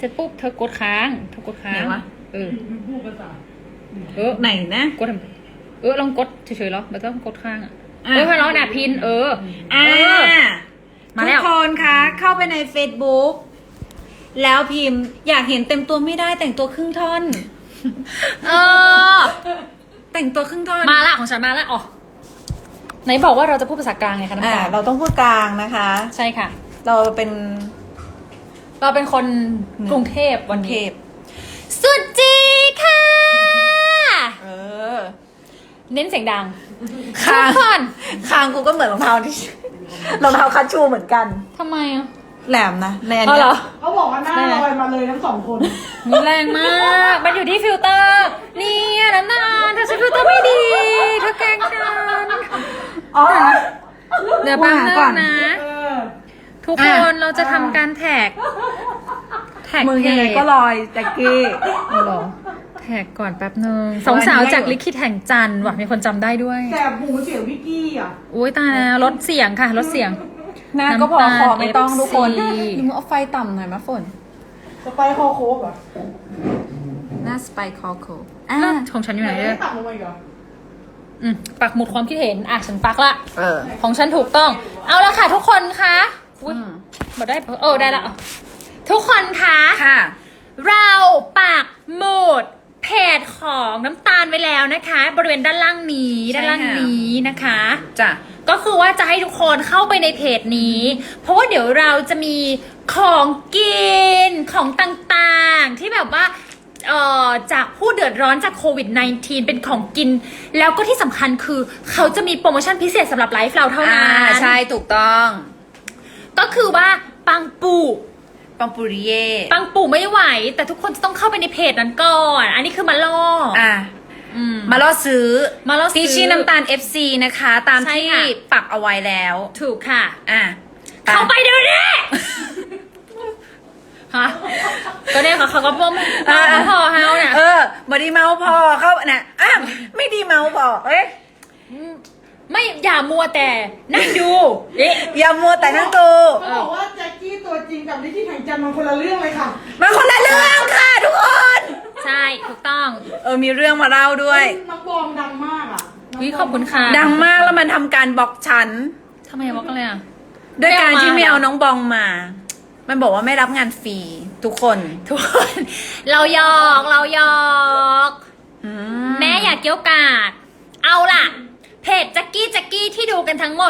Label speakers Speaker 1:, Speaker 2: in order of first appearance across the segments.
Speaker 1: ร็จปุ๊บเธอกดค้าง
Speaker 2: ไหนวะ
Speaker 3: พูดภาษา
Speaker 2: ไหนนะ
Speaker 1: กดทำไมลองกดเฉยๆหรอไม่ต้องกดค้างอ่ะ
Speaker 2: อ่ะ
Speaker 1: พอน้องน่ะพิน
Speaker 2: อ่า
Speaker 1: มา
Speaker 2: ทุ
Speaker 1: แล้
Speaker 2: ก
Speaker 1: ว
Speaker 2: คนคะเข้าไปใน Facebook แล้วพิมพ์อยากเห็นเต็มตัวไม่ได้แต่งตัวครึ่งท่อน แต่งตัวครึ่งท่อน
Speaker 1: มาละของฉันมาละอ๋อไหนบอกว่าเราจะพูดภาษากลางไงคะน้ำตาล
Speaker 2: เราต้องพูดกลางนะคะ
Speaker 1: ใช่ค่ะ
Speaker 2: เราเป็น
Speaker 1: เราเป็นคนกรุงเทพวัน
Speaker 2: เท
Speaker 1: นี้
Speaker 2: พ
Speaker 1: สุดจีค่ะ
Speaker 2: เออ
Speaker 1: เน้นเสียงดัง
Speaker 2: คาง
Speaker 1: ทุกคน
Speaker 2: คางกูก็เหมือนรองเท้าที่ รองเท้าคัชชูเหมือนกัน
Speaker 1: ทำไมอ่ะ
Speaker 2: แหลมนะในอัน
Speaker 1: อ๋อ
Speaker 2: เนี้
Speaker 1: เหร
Speaker 2: ย
Speaker 1: อ
Speaker 3: เขาบอกว่าหน้าลอยมาเลยทั้งสองคน
Speaker 1: มันแรงมาก มันอยู่ที่ฟิลเตอร์ นี่น้ำตาลเธอใช้ฟิลเตอร์ไม่ดีเธอแกล้งฉัน
Speaker 2: อ๋อ
Speaker 1: เดี๋ยวแป๊บนึ
Speaker 2: ก่อง น
Speaker 1: นะ
Speaker 3: เออ
Speaker 1: ทุกคนเราจะทำการแท็ก
Speaker 2: มึงยังไงก็ลอยแจ็คกี้
Speaker 1: เอาเหรอแท็กก่อนแป๊บนึงสองสาวจากลิขิตแห่งจันทร์ว่ะมีคนจำได้ด้วย
Speaker 3: แสบหูเสียงวิกกี้อ่ะ
Speaker 1: อุ้ยตายแล้วลดเสียงค่ะลดเสียง
Speaker 2: หน้าก็พอ
Speaker 1: น้ำตาล
Speaker 2: คอไม่ต้องทุกคน
Speaker 1: FC
Speaker 2: มึงเอาไฟต่ำหน่อยมะฝน
Speaker 3: สไปคอโคกเหรอ
Speaker 2: หน้าสไปคอโค
Speaker 1: แล้วของฉันอยู่ไหน
Speaker 3: ไม่
Speaker 1: เนี่ย
Speaker 3: ตัดลงมาอีกเหรอ
Speaker 1: ปักหมุดความคิดเห็นฉันปักละ
Speaker 2: เออ
Speaker 1: ของฉันถูกต้อง เอาละค่ะทุกคนคะอุ๊ย
Speaker 2: อืม
Speaker 1: บอกได้ได้ละทุกคนคะ
Speaker 2: ค่ะ
Speaker 1: เราปักหมุดเพจของน้ำตาลไว้แล้วนะคะ บริเวณด้านล่างนี้
Speaker 2: ใช่
Speaker 1: ด้านล่าง
Speaker 2: ค่ะ
Speaker 1: นี้นะคะ
Speaker 2: จ้ะ
Speaker 1: ก็คือว่าจะให้ทุกคนเข้าไปในเพจนี้ เพราะว่าเดี๋ยวเราจะมีของกินของต่างๆ ที่แบบว่าจากผู้เดือดร้อนจากโควิด -19 เป็นของกิน แล้วก็ที่สำคัญคือเขาจะมีโปรโมชั่นพิเศษสำหรับไลฟ์เราเท่านั้น
Speaker 2: ใช่ถูกต้อง
Speaker 1: ก็คือว่าปังปู
Speaker 2: ปังปุริเย่
Speaker 1: ปังปูไม่ไหว แต่ทุกคนจะต้องเข้าไปในเพจนั้นก่อน อันนี้คือมาล่อ
Speaker 2: มาล่อซื้อ
Speaker 1: มาล่อซื้อ
Speaker 2: ที่ชื่อน้ำตาล FC นะคะ ตาม
Speaker 1: ใช่
Speaker 2: ที่
Speaker 1: ค่ะ
Speaker 2: ปักเอาไว้แล้ว
Speaker 1: ถูกค่ะ
Speaker 2: เข้า
Speaker 1: เข้า
Speaker 2: ไป
Speaker 1: ไปเดี๋ยวนี้ฮะก็เนี่ยเขาก็บ่มพอเฮาเนี่ย
Speaker 2: บอดีเมาพอเข้าน่ะไม่ดีเมาพอเอ้ย
Speaker 1: ไม่อย่ามัวแต่นั่งดูเอ๊ะ
Speaker 2: อย่ามัวแต่นั่งดู
Speaker 3: เขาบอกว่าแจ็คกี้ตัวจริงกับลิขิตแห่งจันทร์มันคนละเรื่องเลยค่ะ
Speaker 2: มันคนละเรื่องค่ะทุกคน
Speaker 1: ใช่ถูกต้อง
Speaker 2: มีเรื่องมาเล่าด้วย
Speaker 3: น้องบองดังมากอ่ะ
Speaker 1: วิขอบคุณค่ะ
Speaker 2: ดังมากแล้วมันทำการบล็อกฉัน
Speaker 1: ทำไมบอกกันเลยอ่ะ
Speaker 2: ด้วยการที่
Speaker 1: ไม่
Speaker 2: ไม่
Speaker 1: เอา
Speaker 2: เอา
Speaker 1: มา
Speaker 2: น้องบองมา มันบอกว่าไม่รับงานฟรีทุกคน
Speaker 1: ทุกคนเราหยอก
Speaker 2: อื
Speaker 1: แม่อยากเกี้ยวกาดเอาล่ะ เพจแจ็กกี้ที่ดูกันทั้งหมด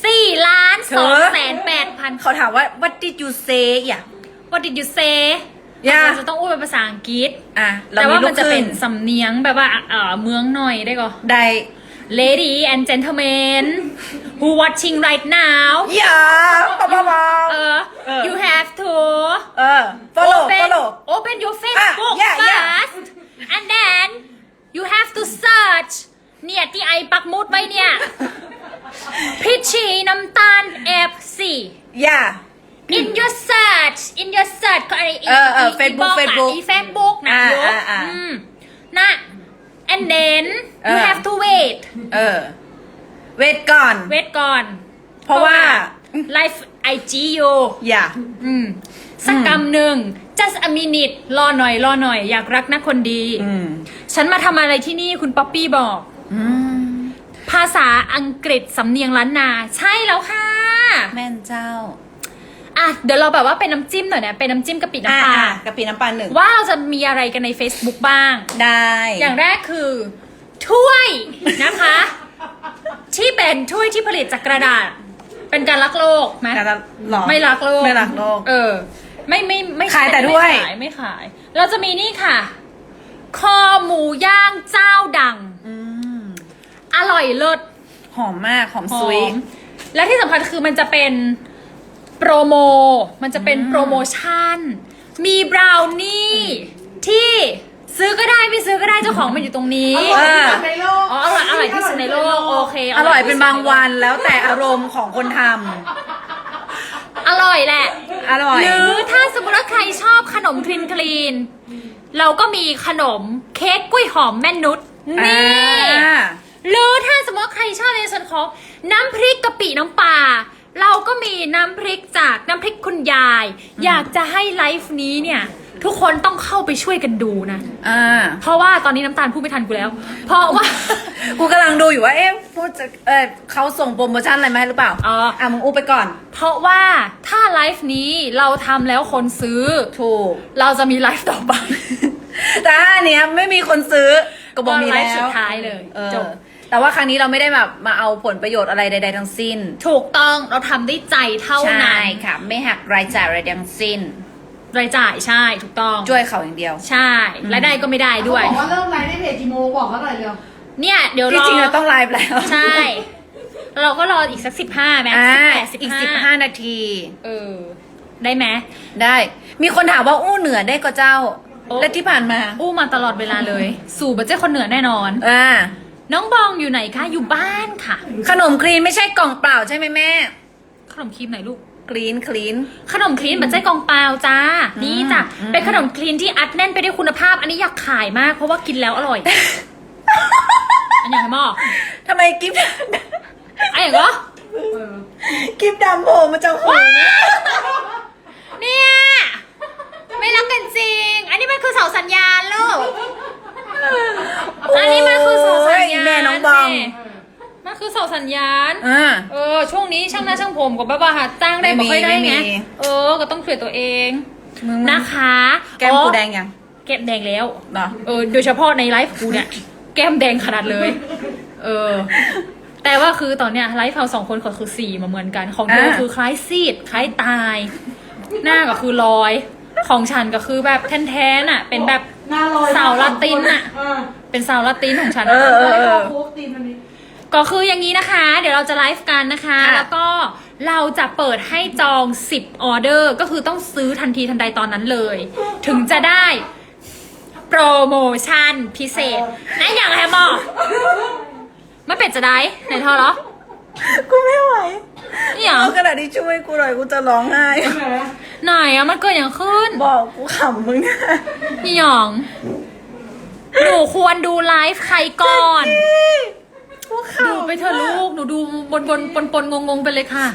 Speaker 1: 4,208,000
Speaker 2: เขาถามว่า what did you say อย่า
Speaker 1: What did you say เราจะต้องพูดเป็นภาษาอังกฤษ แต่ว่ามันจะเป็นสำเนียงแบบว่าเมืองหน่อยได้ก่อ
Speaker 2: ได้
Speaker 1: Lady and gentlemen who watching right now
Speaker 2: อย่าบ้า
Speaker 1: you have to open your Facebook
Speaker 2: yeah, yeah.
Speaker 1: first and then you have to search เนี่ยที่ไอปักหมุดไว้เนี่ย พิชชีน้ำตาล F4
Speaker 2: อย่า
Speaker 1: in your search ก็ไอFacebook นะยกนะ and then you have to wait
Speaker 2: เวทก่อน เพราะว่า
Speaker 1: live IG อยู่
Speaker 2: อย่า
Speaker 1: สักกำหนึ่ง just a minute รอหน่อยอยากรักนะคนดี ฉันมาทำอะไรที่นี่คุณป๊อปปี้บอกภาษาอังกฤษสำเนียงล้านนา ใช่แล้วค่ะ
Speaker 2: แม่นเจ้า
Speaker 1: เดี๋ยวเราแบบว่าเป็นน้ำจิ้มหน่อยนะเป็นน้ำจิ้มกะปิน้ำปลาก
Speaker 2: ะปิน้ำปลาหนึ่ง
Speaker 1: ว่าเราจะมีอะไรกันใน Facebook บ้าง
Speaker 2: ได้
Speaker 1: อย่างแรกคือ ถ้วยนะคะ ที่เป็นถ้วยที่ผลิตจากกระดาษ เป็นการรักโลกไหม
Speaker 2: หรอ
Speaker 1: ไม่รักโลก
Speaker 2: ไม่รักโลก
Speaker 1: ไม่
Speaker 2: ขายแต่ถ้วย
Speaker 1: ไม่ขาย เราจะมีนี่ค่ะ คอหมูย่างเจ้าดัง อร่อยเลิศ
Speaker 2: หอมมากหอมซุย
Speaker 1: และที่สำคัญคือมันจะเป็นโปรโม มันจะเป็นโปรโมชั่น มีบราวนี่ที่ซื้อก็ได้ไม่ซื้อก็ได้เจ้าของมันอยู่ตรงนี้
Speaker 3: อร่อยที่สุดในโลก
Speaker 1: อร่อยที่สุดในโลกโอเค
Speaker 2: อร่อยเป็นบางวันแล้วแต่อารมณ์ของคนท
Speaker 1: อร่อยแหละ
Speaker 2: ำอร่อย
Speaker 1: หรือถ้าสมมติว่าใครชอบขนมคลีนเราก็มีขนมเค้กกล้วยหอมแม่นุชนี่ หรือถ้าสมมติว่าใครชอบในส่วนของน้ำพริกกะปิน้ำปลาเราก็มีน้ำพริกจากน้ำพริกคุณยาย อยากจะให้ไลฟ์นี้เนี่ย ทุกคนต้องเข้าไปช่วยกันดูนะ เพราะว่าตอนนี้น้ำตาลพูดไม่ทันกูแล้ว เพราะว่า
Speaker 2: กูกำลังดูอยู่ว่าพูดจะเขาส่งโปรโมชั่นอะไรมาให้หรือเปล่า
Speaker 1: อ๋อ
Speaker 2: มึงอู้ไปก่อน
Speaker 1: เพราะว่าถ้าไลฟ์นี้เราทำแล้วคนซื้อ
Speaker 2: ถูก
Speaker 1: เราจะมีไลฟ์ต่อไป
Speaker 2: แต่ถ้าอันเนี้ยไม่มีคนซื้อก็บอกมี
Speaker 1: ไล
Speaker 2: แล้ว
Speaker 1: ฟ์สุดท้ายเลย
Speaker 2: จบแต่ว่าครั้งนี้เราไม่ได้แบบมาเอาผลประโยชน์อะไรใดๆทั้งสิ้น
Speaker 1: ถูกต้องเราทำด้วยใจเท่านั้น
Speaker 2: ใช่ค่ะ ไม่หักรายจ่ายอะไรทั้งสิ้น
Speaker 1: รายจ่ายใช่ถูกต้อง
Speaker 2: ช่วยเขาอย่างเดียว
Speaker 1: ใช่รายได้ก็ไม่ได้ด้วย
Speaker 3: บอกว่าเริ่มไลฟ์ในเพจกี่โมงบอกเขาหน่อยเร็ว
Speaker 1: เนี่ยเดี๋ยวร
Speaker 2: ที่
Speaker 1: อ
Speaker 2: จริงเราต้องไลฟ์แล้ว
Speaker 1: ใช่ เราก็รออีกสัก15ไหม 18
Speaker 2: อีก
Speaker 1: 15
Speaker 2: 15 นาที
Speaker 1: ได้ไหม
Speaker 2: ได้ มีคนถามว่าอู้เหนือได้ก็เจ้า
Speaker 1: โอ้
Speaker 2: และที่ผ่านมา
Speaker 1: อู้มาตลอดเวลาเลย สู่บัจเจ้คนเหนือแน่นอน น้องบองอยู่ไหนคะอยู่บ้านค่ะ
Speaker 2: ขนมคลีนไม่ใช่กล่องเปล่าใช่ไหมแม่
Speaker 1: ขนมครีมไหนลูก
Speaker 2: คลีน
Speaker 1: ขนมคลีนบัจเจ้กองเปล่าจ้า นี่จ้ะเป็นขนมคลีนที่อัดแน่นไปด้วยคุณภาพ อันนี้อยากขายมากเพราะว่ากินแล้วอร่อย อันอย่างไรหมอ
Speaker 2: ทำไมกิฟต์
Speaker 1: อันอย่างก็
Speaker 2: กิฟต์ดำโผล่มาจากหัว
Speaker 1: เนี่ยไม่รักกันจริง อันนี้มันคือเสาสัญญาณลูก อันนี้มันคือเสาสัญญาณ
Speaker 2: แม่น้องบอง
Speaker 1: มันคือเสาสัญญาณ
Speaker 2: อ่า
Speaker 1: ช่วงนี้ช่างหน้าช่างผมกับบ้าหาจ้างได้
Speaker 2: ไม่มี
Speaker 1: ไม่ค่อยได้
Speaker 2: ไม่มี
Speaker 1: ไงก็ต้องช่วยตัวเอง
Speaker 2: มึง
Speaker 1: นะคะ
Speaker 2: แก้มกูแดงยัง
Speaker 1: แก้มแดงแล้ว
Speaker 2: เหรอ
Speaker 1: โดยเฉพาะในไลฟ์กูเนี่ย แก้มแดงขนาดเลย แต่ว่าคือตอนเนี้ยไลฟ์เรา2 คนก็คือสีมาเหมือนกัน ของเธอคือคล้ายซีดคล้ายตาย หน้าก็คือลอย ของฉันก็คือแบบแทนๆอ่ะ เป็นแบบ
Speaker 3: หน้าลอย
Speaker 1: สาวลาตินอ่ะ
Speaker 3: เออ
Speaker 1: เป็นสาวลาตินของฉัน
Speaker 2: เอ
Speaker 1: อะ
Speaker 2: อ
Speaker 3: ไม่เข้าโค้กตีนอันนี้
Speaker 1: ก็คืออย่างนี้นะคะ เดี๋ยวเราจะไลฟ์กันนะคะ
Speaker 2: ค่ะ
Speaker 1: แล้วก็เราจะเปิดให้จอง10ออเดอร์ก็คือต้องซื้อทันทีทันใดตอนนั้นเลย ถึงจะได้โปรโมชั่นพิเศษนะอย่างไรหมอไม่เป็ดจะได้ไหนเธอเหรอ
Speaker 2: กูไม่ไหว
Speaker 1: นี่หรอ
Speaker 2: เอากระดาษที่ช่วยกูหน่อยกูจะร้องไห้
Speaker 3: แหม
Speaker 1: ไหนอะมันเกิดอย่างขึ้น
Speaker 2: บอกกูขำมึงนะ
Speaker 1: พี่หยองหนูควรดูไลฟ์ใครก่อน
Speaker 2: กูข
Speaker 1: ดูไปเถอะลูกหนูดูปนงงๆไปเลยค่ะ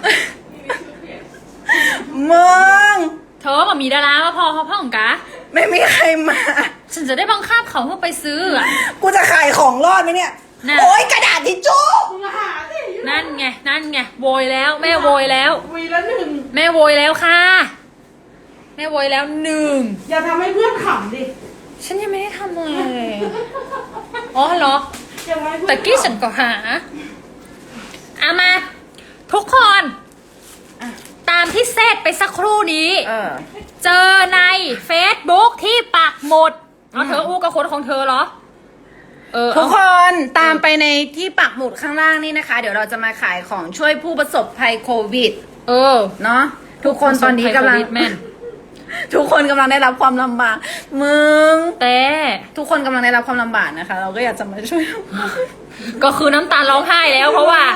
Speaker 2: ำมึง
Speaker 1: เธอมามีดารามาพอเขาพ่องกะ
Speaker 2: ไม่มีใครมา
Speaker 1: ฉันจะได้บังคับเขาเพื่อไปซื้ออะ
Speaker 2: กูจะขายของรอดไหมเนี่ย
Speaker 1: น่ะ
Speaker 2: โอ๊ยกระดาษทิชชู่
Speaker 3: มึงหาสิ
Speaker 1: นั่นไงโวยแล้ว แม่โวยแล้ว
Speaker 3: วีละหนึ่ง
Speaker 1: แม่โวยแล้วค่ะ แม่โวยแล้ว1
Speaker 3: อย่าทำให้เพื่อนขำดิ
Speaker 1: ฉันยังไม่ได้ทำอะไรเลยอ๋อเหรอ
Speaker 3: อย่าทำให้เพื่อน
Speaker 1: ตะกี้ฉันก็หาเอามา ทุกคนตามที่เซตไปสักครู่นี้ เจอใน Facebook ที่ปักหมุดเธออู้กับคนของเธอเหรอ
Speaker 2: ทุกคนตามไปในที่ปักหมุดข้างล่างนี่นะคะ เดี๋ยวเราจะมาขายของช่วยผู้ประสบภัยโควิด เนาะทุกคนตอนนี้กำลัง
Speaker 1: แม่น
Speaker 2: ทุกคนกำลังได้รับความลำบากมึง
Speaker 1: แต่
Speaker 2: ทุกคนกำลังได้รับความลำบากนะคะ เราก็อยากจะมาช่วย
Speaker 1: ก็คือน้ำตาร้องไห้แล้วเพราะว่า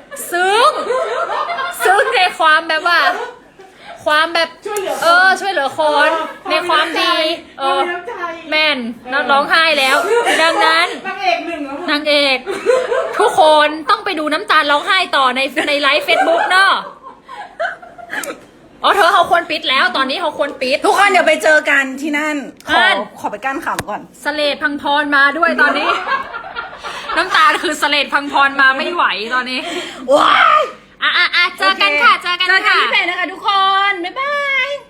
Speaker 1: ซึ้งในความแบบว่า ความแบบช่วยเหลือคนในความดี
Speaker 3: มีน้ำใจ
Speaker 1: แม่นน้องร้องไห้แล้ว ดังนั้น
Speaker 3: นางเอกหนึ่งแล้ว
Speaker 1: นางเอก ทุกคนต้องไปดูน้ำตาลร้องไห้ต่อในไลฟ์เฟซบุ๊กเนาะเธอเขาควรปิดแล้วตอนนี้เขาควรปิด
Speaker 2: ทุกคนเดี๋ยวไปเจอกันที่นั่น
Speaker 1: นั่น
Speaker 2: ขอไปกั้นขำก่อน
Speaker 1: สเลดพังพรมาด้วยตอนนี้ น้ำตาลคือสเลดพังพรมาไม่ไหวตอนนี้
Speaker 2: ว้าย
Speaker 1: เจอกันค่ะ เจอกัน
Speaker 2: เจอกัน
Speaker 1: ค่ะ
Speaker 2: ที่เพจนะคะทุกคน บ๊ายบาย